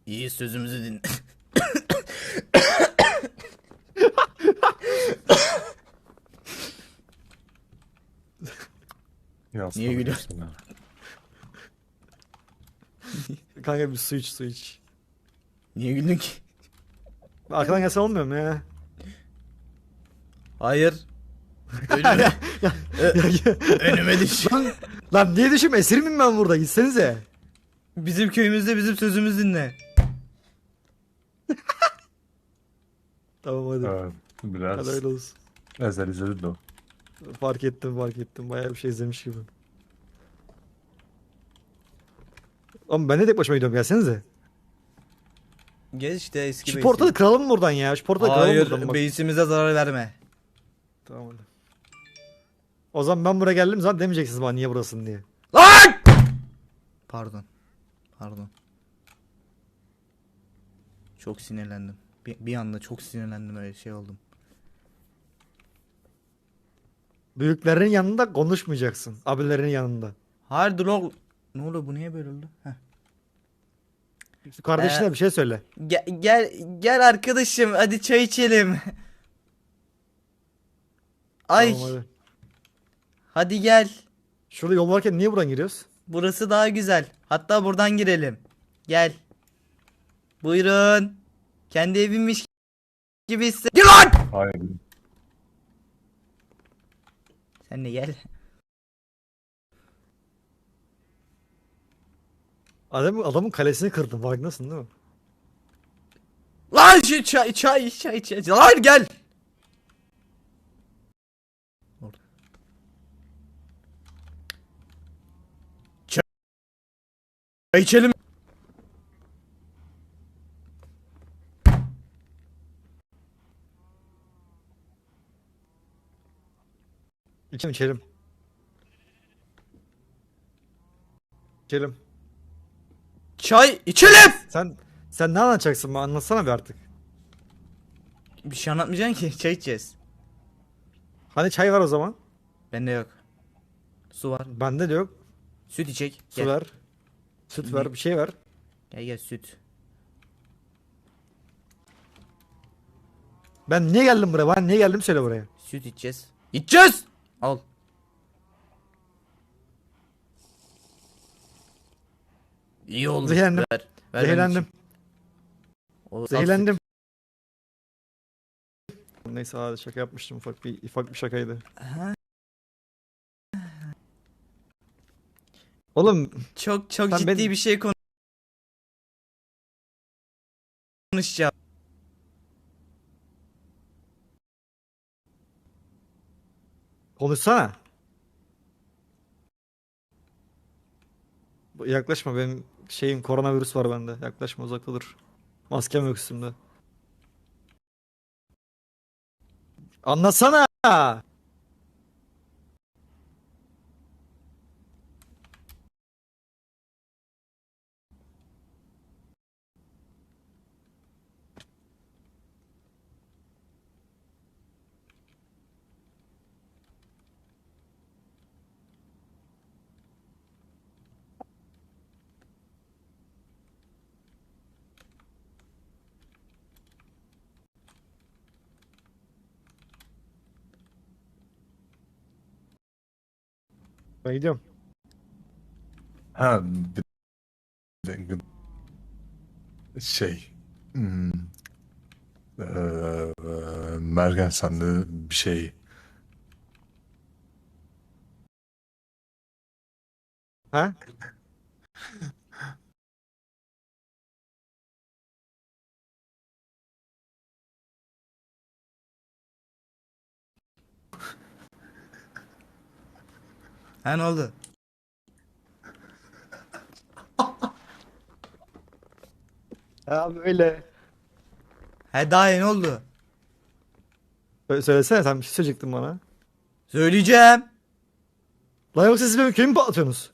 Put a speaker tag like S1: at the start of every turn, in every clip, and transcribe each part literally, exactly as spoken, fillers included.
S1: İyi, sözümüzü dinle.
S2: Ya
S1: Niye gülüyorsun?
S2: sana.
S3: Kanka bir su iç su iç.
S1: Niye güldün ki?
S3: Arkadan gelse olmuyor mu ya?
S1: Hayır.
S3: ya,
S1: Önüme,
S3: ya,
S1: Ö-
S3: ya, ya.
S1: önüme düş.
S3: Lan, lan niye düşüm esir miyim ben burada gitsenize.
S1: Bizim köyümüzde bizim sözümüzü dinle.
S3: Tamam hadi.
S2: Evet,
S3: Hadi
S2: biraz
S3: öyle olsun.
S2: ezel izledim de o.
S3: Fark ettim fark ettim. Bayağı bir şey izlemiş gibi. Oğlum ben de tek başıma gidiyorum gelsenize.
S1: Gel işte eski
S3: Şu
S1: base'e.
S3: portalı kıralım mı buradan ya? Şu portalı kıralım mı buradan
S1: Hayır,
S3: bak.
S1: base'imize zarar verme.
S3: Tamam hadi. O zaman ben buraya geldim zaten demeyeceksiniz bana niye burasın diye.
S1: Lan! Pardon. Pardon. Çok sinirlendim. Bir, bir anda çok sinirlendim, öyle şey oldum.
S3: Büyüklerin yanında konuşmayacaksın. Abilerin yanında.
S1: Hayır dur oğlum. Ne oluyor, bu niye böyle oldu? Heh.
S3: Şu kardeşine
S1: Ee,
S3: bir şey söyle.
S1: Gel, gel gel arkadaşım, hadi çay içelim. Ay,
S3: Tamam hadi.
S1: hadi gel.
S3: Şurada yol varken niye buradan giriyoruz?
S1: Burası daha güzel. Hatta buradan girelim. Gel. Buyurun. Kendi evimmiş gibi hisset. Gel lan!
S2: Hayır.
S1: Sen de gel.
S3: Adamın, adamın kalesini kırdın farkındasın değil mi?
S1: Lan şu çay çay çay çay. Lan gel. Orada. Çay içelim.
S3: İçelim içelim. İçelim.
S1: Çay içelim.
S3: Sen sen ne anlatacaksın bana anlatsana bir artık.
S1: Bir şey anlatmayacaksın ki, çay içeceğiz.
S3: Hani çay var o zaman?
S1: Bende yok. Su var.
S3: Bende de yok.
S1: Süt içecek.
S3: Su
S1: Gel.
S3: ver. Süt ver bir şey ver.
S1: Gel gel süt.
S3: Ben niye geldim buraya? Ben niye geldim söyle buraya.
S1: Süt içeceğiz. İçeceğiz. Al. İyi oldu.
S3: Zehirlendim.
S1: Ver. Ver, ben
S3: Zehirlendim.
S1: içeyim. O- al
S3: Zehirlendim. Neyse hadi şaka yapmıştım ufak bir ufak bir şakaydı.
S1: süt. Ha,
S3: Oğlum
S1: çok çok
S3: Sen
S1: ciddi
S3: beni-
S1: bir şey konu- konuşacağım.
S3: konuşsana. Bu- Yaklaşma benim şeyim koronavirüs var bende. Yaklaşma uzakta dur. Maskem yok üstümde. Anlatsana. Ben gidiyorum.
S2: Ha bir bir- şey. Hmm. Eee, Mergen sende bir şey.
S3: Ha?
S1: Ha, ne oldu?
S3: Abi öyle.
S1: Ha, daha iyi, ne oldu?
S3: Sö- Söylesene sen bir şey söyleyecektin bana.
S1: Söyleyeceğim.
S3: Lan yoksa siz benim köyümü patlatıyorsunuz.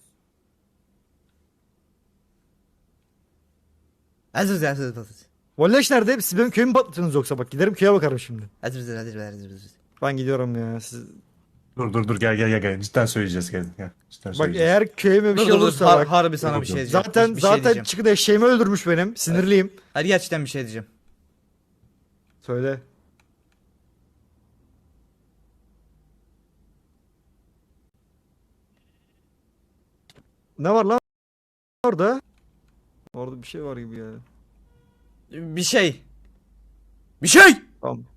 S1: Hazır hazır hazır. Hazır
S3: Volleş nerede? Siz benim köyümü patlatıyorsunuz yoksa bak giderim köye bakarım şimdi.
S1: hazır hazır hazır hazır.
S3: Ben gidiyorum ya siz.
S2: Dur dur dur gel gel gel gel. Cidden söyleyeceğiz gel. Gel. Cidden
S3: Bak
S2: söyleyeceğiz.
S3: eğer köyüme bir
S1: Dur
S3: şey
S1: dur dur.
S3: olursa
S1: Har-
S3: bak.
S1: harbi sana
S2: Dur,
S1: bir
S2: dur.
S1: şey diyeceğim.
S3: Zaten
S1: bir şey
S3: zaten
S1: diyeceğim.
S3: çıkıp eşeğimi öldürmüş benim. Sinirliyim.
S1: Hadi gerçekten bir şey diyeceğim.
S3: Söyle. Ne var lan orada? Orada bir şey var gibi ya.
S1: Bir şey. Bir şey.
S3: Tamam.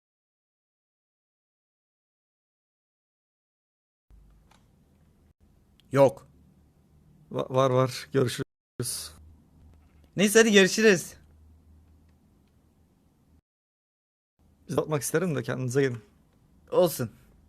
S1: Yok.
S3: Va- var var. Görüşürüz.
S1: Neyse hadi görüşürüz.
S3: Biz atmak isterim de kendinize gelin.
S1: Olsun.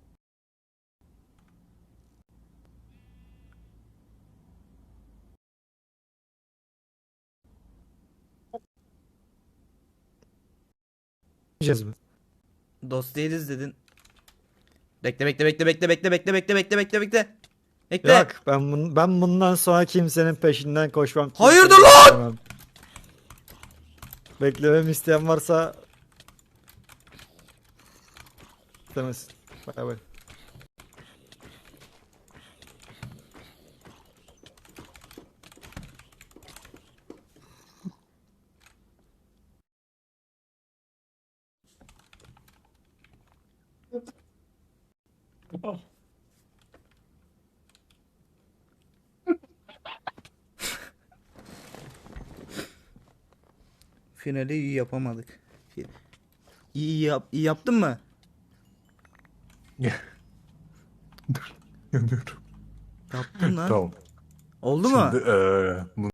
S3: Yiyeceğiz mi?
S1: Dost değiliz dedin. Bekle bekle bekle bekle bekle bekle bekle bekle bekle bekle. Bekle.
S3: Yok ben, bun, ben bundan sonra kimsenin peşinden koşmam.
S1: Hayırdır
S3: kimseyi
S1: lan?
S3: beklemem. Beklememi isteyen varsa istemez. Bay bay.
S1: Finali iyi yapamadık. Fi- İyi yap iyi yaptın mı?
S2: Dur. Yanıyorum.
S1: Yaptın lan.
S2: Tamam.
S1: Oldu mu?
S2: Şimdi eee,